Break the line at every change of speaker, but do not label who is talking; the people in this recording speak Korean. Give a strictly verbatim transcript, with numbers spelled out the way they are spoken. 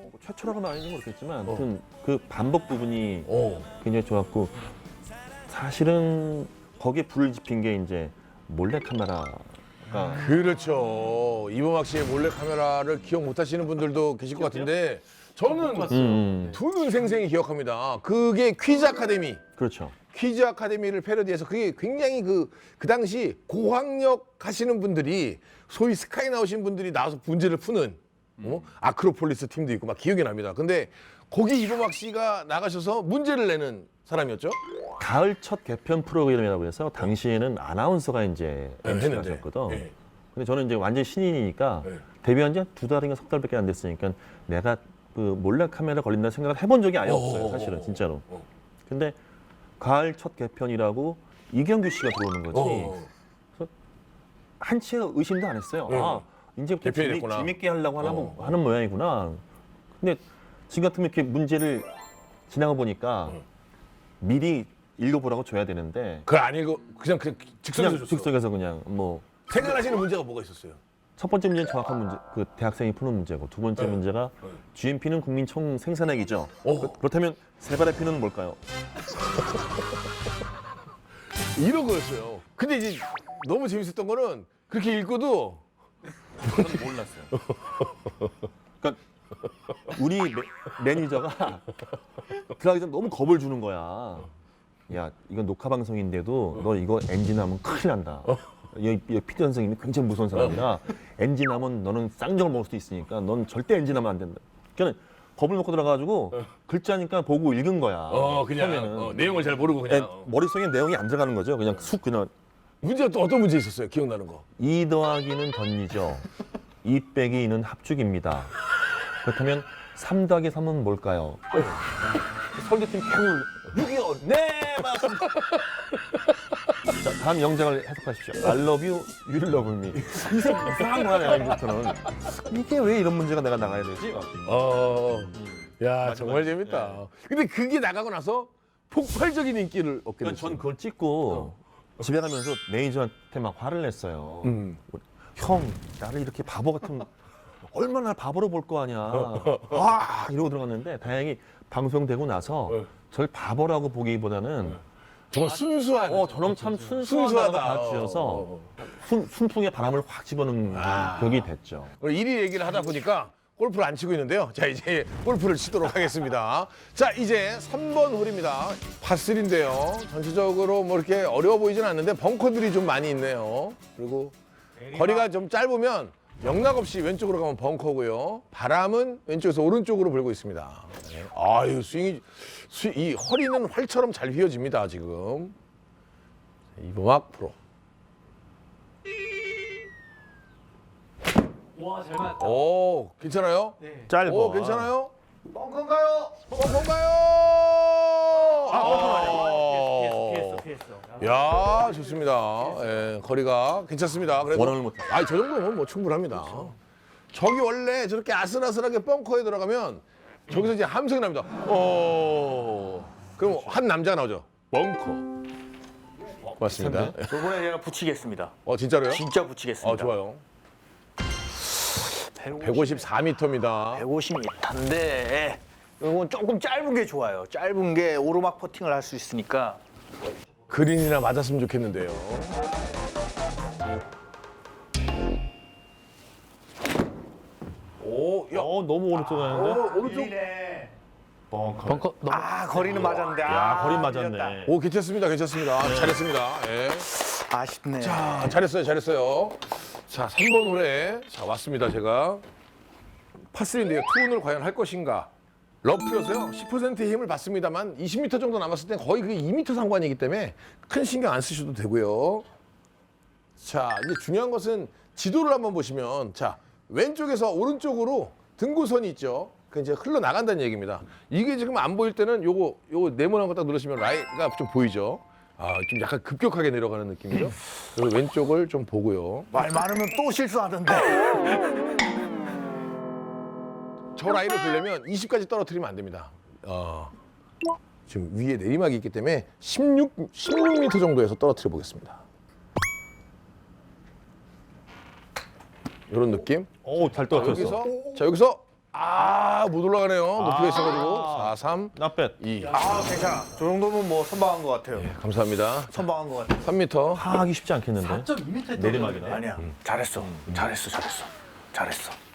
최초라고 말하는 건 그렇겠지만 아무튼 그 반복 부분이
어.
굉장히 좋았고 사실은 거기에 불을 지핀 게 이제 몰래 카메라가
그렇죠. 이범학 씨의 몰래 카메라를 기억 못 하시는 분들도 계실 것 같은데 저는
음,
두 눈 생생히 기억합니다. 그게 퀴즈 아카데미.
그렇죠.
퀴즈 아카데미를 패러디해서 그게 굉장히 그, 그 당시 고학력 하시는 분들이 소위 스카이 나오신 분들이 나와서 문제를 푸는 어? 아크로폴리스 팀도 있고 막 기억이 납니다. 근데 거기 이범학 씨가 나가셔서 문제를 내는 사람이었죠?
가을 첫 개편 프로그램이라고 해서 당시에는 아나운서가 이제
네,
엠시를
했는데.
하셨거든.
네.
근데 저는 이제 완전 신인이니까
네.
데뷔한 지 두 달인가 석 달밖에 안 됐으니까 내가 그 몰래 카메라 걸린다는 생각을 해본 적이 아예 없어요. 사실은 진짜로.
어.
근데 가을 첫 개편이라고 이경규 씨가 들어오는 거지.
어.
한치의 의심도 안 했어요.
네.
아, 이제부터
개편이
재미,
됐구나.
재밌게 하려고 하는,
어.
하는 모양이구나. 근데 지금 같으면 이렇게 문제를 지나가 보니까 미리 읽어보라고 줘야 되는데
그걸 안 읽어 그냥 그냥 즉석에서
그냥
줬어.
즉석에서 그냥 뭐 첫
생각하시는 문제가 뭐가 있었어요?
번째 문제는 정확한 문제, 그 대학생이 푸는 문제고 두 번째
네.
문제가
네.
지엠피는 국민 총 생산액이죠.
어.
그, 그렇다면 세발의 피는 뭘까요?
이런 거였어요. 근데 이제 너무 재밌었던 거는 그렇게 읽고도
저는 몰랐어요. 그러니까 우리 매, 매니저가 들어가기 전에 너무 겁을 주는 거야. 야, 이건 녹화 방송인데도 너 이거 엔진하면 큰일 난다. 여기, 여기 피디 선생님이 굉장히 무서운 사람이라 엔진하면 너는 쌍정을 먹을 수도 있으니까 넌 절대 엔진하면 안 된다. 그러니까 겁을 먹고 들어가가지고 글자니까 보고 읽은 거야.
어 그냥
처음에는.
어, 내용을 잘 모르고 그냥
에, 머릿속에 내용이 안 들어가는 거죠. 그냥 쑥 그냥
문제가 또 어떤 문제 있었어요? 기억나는 거?
이 더하기는 던리죠. 이 빼기 이는 합죽입니다. 그렇다면 삼 더하기 삼은 뭘까요? 설계팀 계속 육이요. 네, 맞습니다. 자, 다음 영장을 해석하십시오. I love you, you love me. 이 생 이상한 거야, 내가 이제부터는. 이게 왜 이런 문제가 내가 나가야 되지?
어, 야 정말 재밌다. 근데 그게 나가고 나서 폭발적인 인기를 얻게
그러니까
됐어요.
전 그걸 찍고 집에 가면서 매니저한테 막 화를 냈어요.
음.
형, 나를 이렇게 바보 같은 얼마나 바보로 볼 거 아니야. 아 이러고 들어갔는데 다행히 방송되고 나서
네.
절 바보라고 보기보다는
정말 순수한.
어 저놈 참 순수하다고
순수하다.
봐주셔서
어, 어.
순, 순풍에 바람을 확 집어넣는 격이 됐죠.
오늘 일 위 얘기를 하다 보니까 골프를 안 치고 있는데요. 자 이제 골프를 치도록 하겠습니다. 자 이제 삼 번 홀입니다. 파쓰리인데요. 전체적으로 뭐 이렇게 어려워 보이진 않는데 벙커들이 좀 많이 있네요. 그리고 거리가 좀 짧으면 영락 없이 왼쪽으로 가면 벙커고요. 바람은 왼쪽에서 오른쪽으로 불고 있습니다. 네. 아유 스윙이 스- 이 허리는 활처럼 잘 휘어집니다 지금. 이범학 프로.
와, 잘 맞았다.
오 괜찮아요?
짧아.
오 괜찮아요?
뻥컨가요?
벙커인가요?
아, 피했어,
아,
피했어, 피했어.
야 좋습니다. 예, 거리가 괜찮습니다. 그래도
원언을 못해.
아니 저 정도면 뭐 충분합니다. 저기 원래 저렇게 아슬아슬하게 벙커에 들어가면 저기서 이제 함성이 납니다. 어 그럼 한 남자가 나오죠. 벙커. 맞습니다.
이번에 제가 붙이겠습니다.
어 진짜로요?
진짜 붙이겠습니다.
어 좋아요. 백오십사 미터입니다.
백오십 미터인데 이건 조금 짧은 게 좋아요. 짧은 게 오르막 퍼팅을 할 수 있으니까.
그린이나 맞았으면 좋겠는데요. 오, 야,
어 너무 오른쪽 가는데.
오른쪽.
벙커. 아, 거리는 맞았는데.
야
아,
거리
밀렸다.
맞았네.
오, 괜찮습니다, 괜찮습니다. 잘했습니다. 예.
아쉽네.
자, 잘했어요, 잘했어요. 자, 삼 번 홀에 자 왔습니다, 제가. 파쓰리인데요. 투혼을 과연 할 것인가? 러프여서요. 십 퍼센트의 힘을 받습니다만 이십 미터 정도 남았을 때 거의 그게 이 미터 상관이기 때문에 큰 신경 안 쓰셔도 되고요. 자, 이제 중요한 것은 지도를 한번 보시면 자, 왼쪽에서 오른쪽으로 등고선이 있죠. 그 이제 흘러나간다는 얘기입니다. 이게 지금 안 보일 때는 요거 요거 네모난 거 딱 누르시면 라이가 좀 보이죠. 아, 좀 약간 급격하게 내려가는 느낌이죠. 그리고 왼쪽을 좀 보고요.
말 많으면 또 실수하던데.
저 라인을 보려면 이십까지 떨어뜨리면 안 됩니다. 어, 지금 위에 내리막이 있기 때문에 십육, 십육 미터 정도에서 떨어뜨려 보겠습니다. 이런 느낌.
오잘
자,
떨어졌어.
여기서 자 여기서 아, 못 올라가네요. 높이가 있어가지고. 사, 삼,
나뱃.
이.
아, 괜찮아. 저 정도면 뭐 선방한 것 같아요.
감사합니다.
선방한 것 같아요.
삼 미터.
하기 쉽지 않겠는데.
사 점 이 미터
내리막이네.
아니야. 잘했어. 잘했어. 잘했어. 잘했어.